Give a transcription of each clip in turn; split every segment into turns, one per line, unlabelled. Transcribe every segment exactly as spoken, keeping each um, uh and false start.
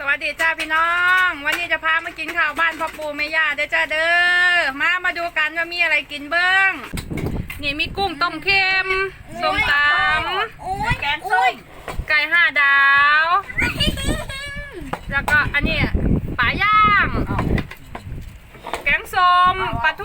วัสดีจ้าพี่น้อง วันนี้จะพามากินข้าวบ้านพ่อปู่แม่ย่าเด้อจ้าเด้อมามาดูกันว่ามีอะไรกินเบิ้งนี่มีกุ้งต้มเค็มส้มตำ
แกงส้ม
ไก่ห้าดาวแล้วก็อันนี้ปลาย่างแกงส้มปลาทู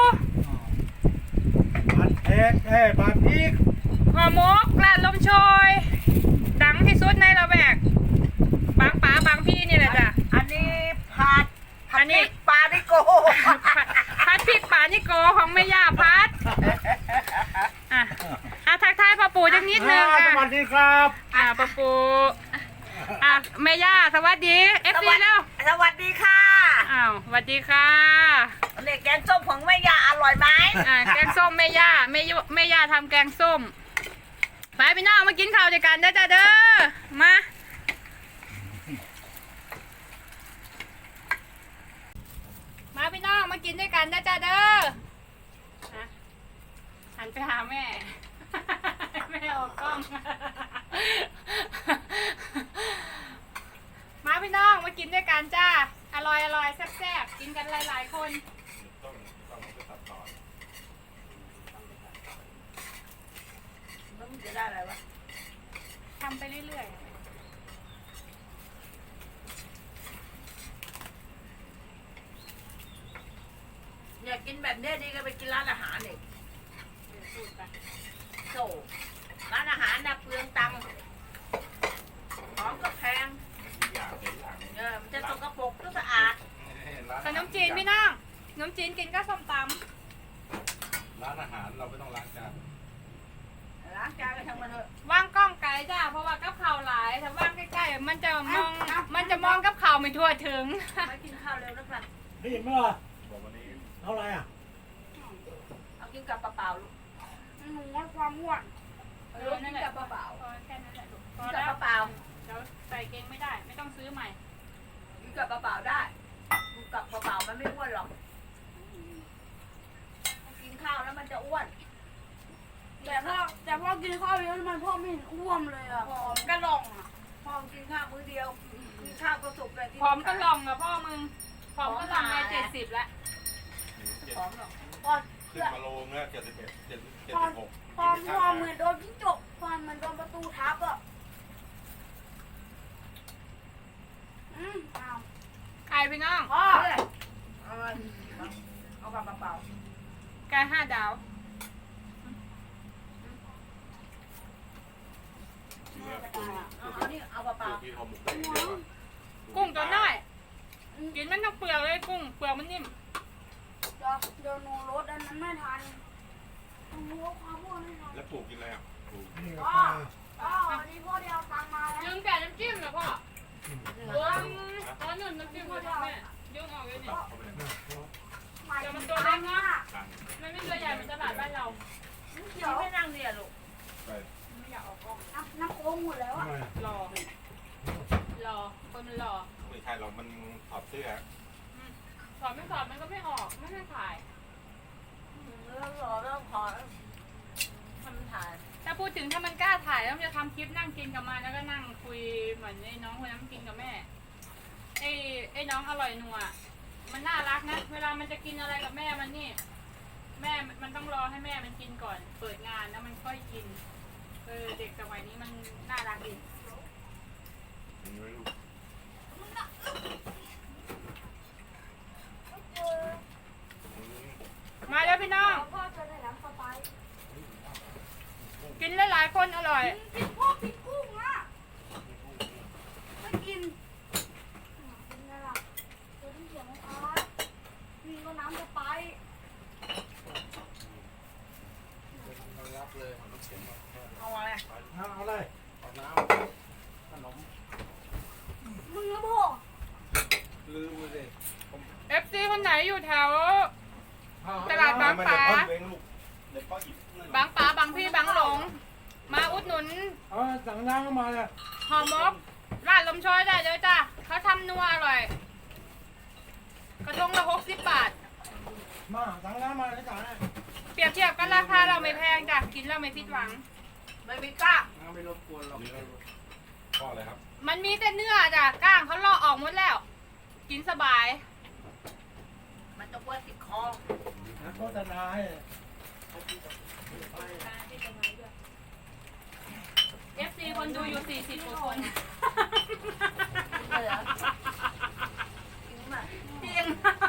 บัตรเอกเอ้บัตรพีก
ห่อหมกร้านลมโชยดังที่สุดในละแวกบางป๋าบางพี่นี่แหละจ้ะ
อันนี้ผัด
อันนี้
ปลาดิโก
พัดพริกป่านิโกของแม่ย่าพัดอ่ะอ่ะทักทายพ่อปู่จังนิดนึง
อ่า
อ่ะ
สวัสดีครับ
อ่ะพ่อปู่อ่ะแม่ย่าสวัสดีเอฟซีแล้ว
สวัสดีค่ะ
อ้าวสวัสดีค่ะ
เด็กแกงส้มของแม่ยาอร่อยไหม
อ่ะแกงส้มแม่ย่าแม่ยุแม่ย่าทำแกงส้มไปพี่น้องมากินข้าวด้วยกันเด้อจ้าเด้อมามาพี่น้องมากินด้วยกันนะจ้าเด้อฮะหันไปหาแม่ แม่ออกกล้อง มาพี่น้องมากินด้วยกันจ้าอร่อยอร่อยแซ่บๆกินกันหลายๆคน
จะได้อะไรวะ
ทำไปเรื่อยๆ
อยากกินแบบนี้ดีก็ไปกินร้านอาหารเนี่ยโซ่ร้านอาหารน่ะเปลืองตังค์ของก็แพงเออมันจะสกปรกก็สะอาด
ขนมจีนพี่น้องขนมจีนกินก็ส้มต
ร้านอาหารเราไม่ต้องล้างจาน
ล้างจานก็ทำมาเถอะ
ำว่างกล้องไกลจ้าเพราะว่ากับข่าวหลายถ้าว่างใกล้ๆมันจะมองมันจะมองกับข่าวไม่ทั่วถึง
ไปกินข้าวเร็วนะครับ
ได้ยินไหมล่ะบอกวันนี้เท่าไหร่อ่ะ
เอากินกับเปล่าๆลูก
หนูว่าความอ้วน
เออกินกับเปล่า
พอแค่นั้นแหละลูกพ
ๆ
อ
กิน
แล้
กั
ว
บเปล่า
เดี๋ยวใส่เกงไม่ได้ไม่ต้องซื้อใหม่
ๆกินกับเปล่าๆได้กินกับเปล่าๆมันไม่อ้วนหรอกกินข้าวแล้วมันจะอ้วน
แต่พ่อแต่พ่อกินข้าวเยอะมันพ่อไม่เห็นอ้วมเลยอ่ะ
ผอมก็ลองอ่ะพอกินข้าวมื้อเดียวกินข้าวก็สุกเลย
ผอมก็ลองอะพ่อมึงผอมก็ลองไปเจ็ดสิบแล้ว
ผอมหรอก
พ่อ
ขึ้นมาโลเมื่อเจ็ดสิบเอ็ดเจ็ดเจ็ด
พ่อ
สิบหก
พ่อพ่อเหมือนโดนจิ้งจกพ่อเหมือนโดนประตูทับอ่ะอืมอ้าว
ไก่พี่น้อง
พ่อ
เอาเลยเอามาเอากับเปล่า
ไก่ห้าดาว
ๆเอาเอานี่เอาเปล่า
ที่เขาหมกได้เยอะ
กุ้งตัวน้อยกินมันทั้งเปลือกเลยกุ้งเปลือกมันนิ่ม
เดี๋ยวเดี๋ยวหนูรถอันนั้นไม่ทันหนูรถความอ้วนไม่ทัน
แล้วปลูกกินอะไรอ่ะปลูก
พ่อพ่อวันนี้พ่อเดียวตังค์มาแล้ว
ยืมแต่น้ำจิ้มเหรอพ่อเออเอาหนุนน้ำจิ้มมาแม่ยืมออกเลยนี่
เขาไปไหน
หมาย
เดี๋ยว
ถึ
มัน
ง
ตัว
ตั
เล็
ง
ก
ค์
เนาะ
อ่ะ
ตังค์
มันไม่ตัวใหญ่เหมือนตลาดบ้านเรา
ๆเดี๋ยวไม่นั่งเนี่ยลูก
ไป
ไม่อยากออกกล้อง
น้ำน้ำโค้งหมดแล้วอ่ะ
รอรอคนมันรอ
ไม่ใช่เรามันถอดเสื้อ
ถอดไม่ถอดมันก็ไม่ออกไม่ให้ถ่าย
เริ่มรอเริ่มพอแล้วทำถ่าย
ถ้าพูดถึงถ้ามันกล้าถ่ายแล้วมันจะทำคลิปนั่งกินกับมันแล้วก็นั่งคุยเหมือนไอ้น้องคนนั้นกินกับแม่ไอ้ไอ้น้องอร่อยนัวมันน่ารักนะเวลามันจะกินอะไรกับแม่มันนี่ แม่มันต้องรอให้แม่มันกินก่อน เปิดงานแล้วมันค่อยกินเออเด็กสมัยนี้มันน่ารักดี
ไม่รู้
มาแล้วพี่น้อง
พ่อจะได้น้ำสไปซ์
กินหลายๆคนอร่อย
กินพ่อกินกุ้งอ่ะไม่กินกินอะไรล่ะเดี๋ยวต้องเสียงนะคะมีก็น้ำสไปซ์
รับเลย
เอาอะไร
เอาเลยเอาน้ำขนม
มึงนะพ่อ
ลืมเลย
เอฟซีคนไหนอยู่แถว ตลาดบางปลา บางป๋าบางพี่บางหลง มาอุดหนุน
เอาสั่งน้ำเข้ามาเลย
ห่อหมกร้านลมช้อยได้เลยจ้ะเขาทำนัวอร่อย กระทงละหกสิบบาท
มาสั่งน้ำมาเลยจ้าเนี่ย
เปรียบเทียบกันราคาเราไม่แพงจ้ะกินเราไม่ผิดหวัง
ไม่มีกล้า
ไม่รบกวนหรอกพ่ออะไรครับ
มันมีแต่เนื้อจ้ะก้างเขาเลาะออกหมดกินสบาย
มันจะปวดติดคอ
นะโฆษณาให้
เอฟซีคนดูอยู่สี่สิบกว่าคน
เหรอจริงป่ะ
จริง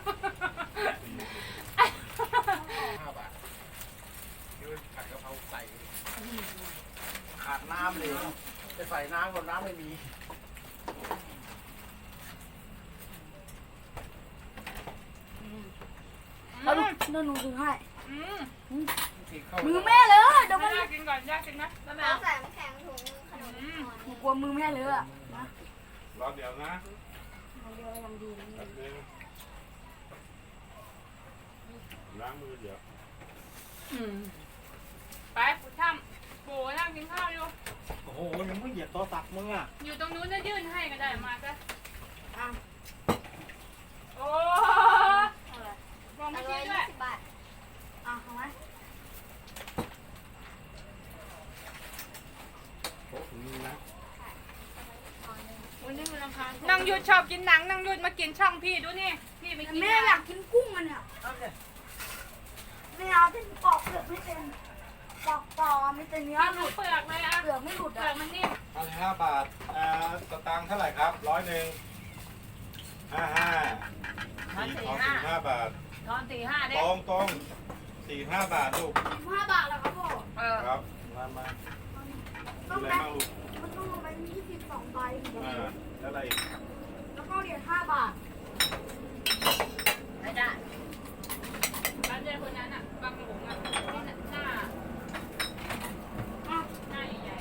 ห้าบาทคิดว่าผัดกะเพราใส่ขาดน้ำเลยจะใส่น้ำก่อนน้ำไม่มี
แล้วดูเดี๋ยวหนูถือให้
อืม
มือแม่เลยเดี๋ยว
ไม่
มัน
น่ากินก่อนยากกินนะแล้วแม่
เอาใส่น้ำแข็งถุงขนม
อืม
หนูกลัวมือแม่เลยอะนะ
รอเดี๋ยวนะ
เดี๋ยวยังดี
แป๊บนึงล้างมือเดี๋ยว
อืมไปผู้ช่ำโบนั่งกินข้าวอยู่
โอ้โหยังไม่เหยียบโต๊ะตักมึงอ่ะ
อยู่ตรงนู้นจะยื่นให้ก็ได้มาจ้ะ
อ่ะ
โอ้
เอาเลย
มอง
อ
ไม่
ร่
ชี้
อย
ด้ว
ยี่
ย
สิบบาท
อ่ะเอาไหม
โต๊ะถึงนี้นะ
วันนี้มันราคา
นั่งหยุดชอบกินหนังนั่งหยุดมากินช่องพี่ดูนี่พี่ไม่
แต่
กิน
แม่อยากกินกุ้งมันเนี่ย
เอาเลย
ไม่เอาที่ปอกเปลือกไม่เป็นปอกปอกไม่เป็นเนื้อ
ข้าว
หลุด
เปลือกเลยอ่ะ
เปลือกไม่หลุด
เปลื
อ่ะ
อกมันนิ่ม
เอาห้าบาทเอ่อสตางค์เท่าไหร่ครับร้อยหนึ่งห้าห้า
ทอน
สี่
สี่
ของ
ห้า
สี่ห้าบาท
ทอนสี่ห้า
ต
เด้
รงตรงสี่ห้าบาทลูก
ห้าบาทแล้วครับพ่อ
เออ
ครับมามา
ต้อง
อะไร
แบ
บ้างลูก
มันต้องลงไปยี่สิบสองใบ
อ่าแล้วอะไรอีก
แล้วก็เหรียญห้าบาท
ไม่ได้
ร้านเจคนนั้นอ่ะบางหลงอ่ะที่หน้า
อ่ะ
หน้าใหญ่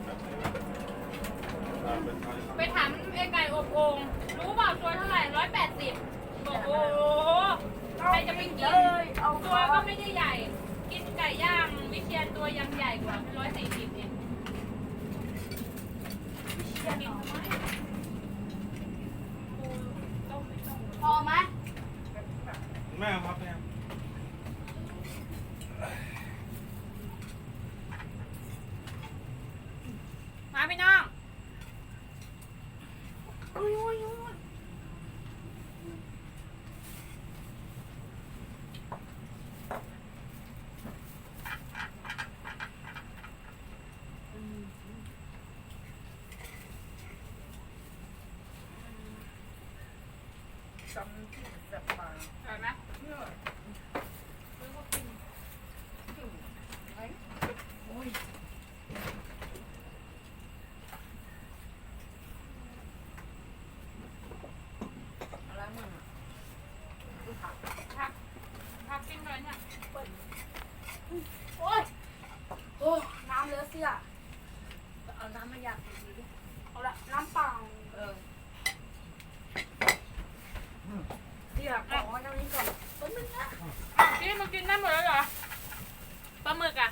อ่าเป็นไทย
ๆไปถามไอ้ไก่อบโอ่งรู้เปล่าตัวเท่าไหร่ร้อยแปดสิบบอกโอ้โหใครจะไปกิน
เลยเอา
ตัวก็ไม่ได้ใหญ่ กินไก่ย่างวิเชียนตัวยังใหญ่กว่าร้อยสี่สิบเองกินทำไมกูต้องไปต้อง
พอไหม
แม่ครับแม่
มาพี่น้อง
อุ้ยอุ้ยอุ้ย
จำที่แบบมา
เห็นไหม
อะไรมึง
ผักผักกินเลยเนี่ย
โอ้ยโอ้น้ำเลอะเสื้อ
เอาน้ำมาอยากดีดิ
เอาละน้ำเปล่า
เออ
เดี๋ยวขอน้ำนี้ก่อนต้นนึงนะ
พี่มากินได้หมดแล้วเหรอปลาหมึกอ่ะ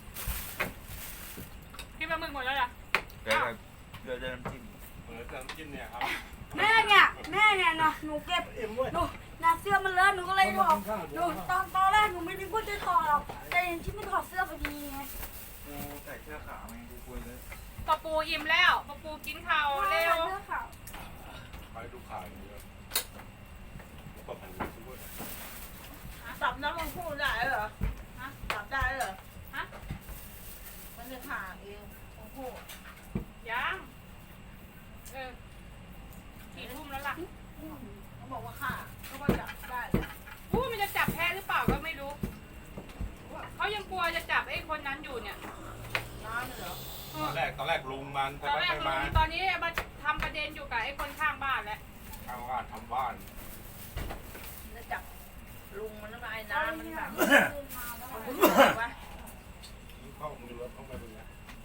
กินปลาหมึกหมดแล้วเหรอ
เดี๋ยวเดี๋ยวจะน้ำจิ้ม
เออจะกินเนี่ยครับ
แม่เนี่ยแม่เนี่ยนะหนูเก็บ
เอ็มเว้ย
หนูนาเสื้อมันเลอะหนูก็เลยบอกหนูตอนตอนแรกหนูไม่ได้พูดจะถอดหรอกแต่เห็นที่มันถอดเสื้อพอดีไง
กูใส่เสื้อขาวไงกูคุยเลย
ปลาปูอิ่มแล้วปลาปูกินข้าวเร็ว
เสื้อขาว
ไปดูข่าวอย่างเดียวก็ผ่านดูด้วย
สับน้ำมันพูดได้เหรอฮะสับได้เหรอ
ฮะ
มันจะผ่าเองโอ้โห
ยังเออสี่ทุ่มแล้วล่ะ
เขาบอกว่าฆ่าเขาก็จับได้
อู้มันจะจับแพ้หรือเปล่าก็ไม่รู้เขายังกลัวจะจับไอ้คนนั้นอยู่เนี่ย
น้ำเหรอ
ตอนแรกตอนแรกลุงมัน
ต
ไป
อน
ไป
แรก
มา
ลุงตอนนี้มาทำประเด็นอยู่กับไอ้คนข้างบ้านแล้ว
ทำบ้านทำบ้าน
จะจับลุงมันแล้วก็ไอ้
เอา
น้ำมัน
เนี่ย
แบบ
เดินมาแล้ว
มันรู้สึกว่า
เข้ามือรถเข้ามาดูนะ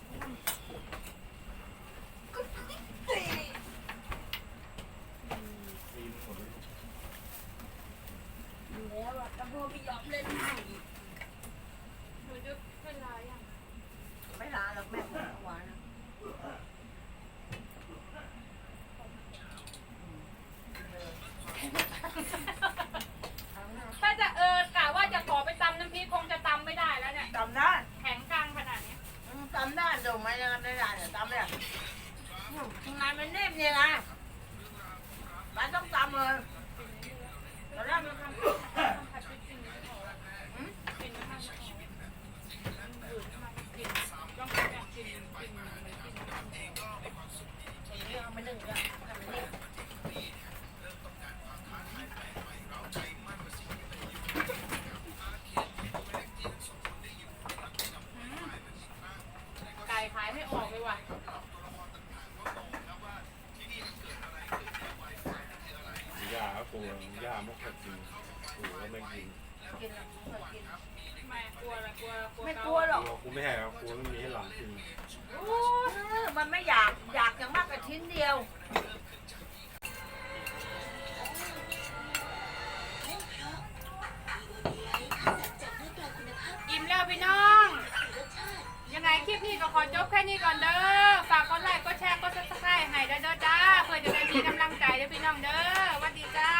ปีนหมดเลย
อยู่แล้วอะแต่พ่อไม่ยอมเล่นให้
หนูจะเป็นไรอ่ะ
ไม่ลาหรอกแม่ของหวานนะ
ถ้าจะเออกะว่าจะขอไปตำน้ำพริกคงจะตำไม่ได้แล้วเนี่ย
จำได้
แข็งกลางขนาดนี้
จำได้เดี๋ยวไม่ได้ไม่ได้เนี่ยจำไม่ได้ทำงานมันเนบเนี่ยนะมันต้องจำเลย
อ
ปูย่ามกกระจิงปูก็ไม่กิน
กินแล้วไม่เคยกิน
ไม่กลัวอะไรกลัวกลัว
ไม่
เาก
ลัวหรอก
กลัวกูไม่ให้กลัวไม่มีให้หลังกิน
โอ้ยมันไม่อยากอยากอย่างมากกับชิ้นเดียว
อิ่มแล้วพี่น้อง ยังไงคลิปนี้ก็ขอจบแค่นี้ก่อนเด้อ ฝากกดไลค์กดแชร์กดซับสไครต์ให้เด้อเด้อจ้า เพื่อจะได้มีกำลังใจเด้อพี่น้องเด้อสวัสดีจ้า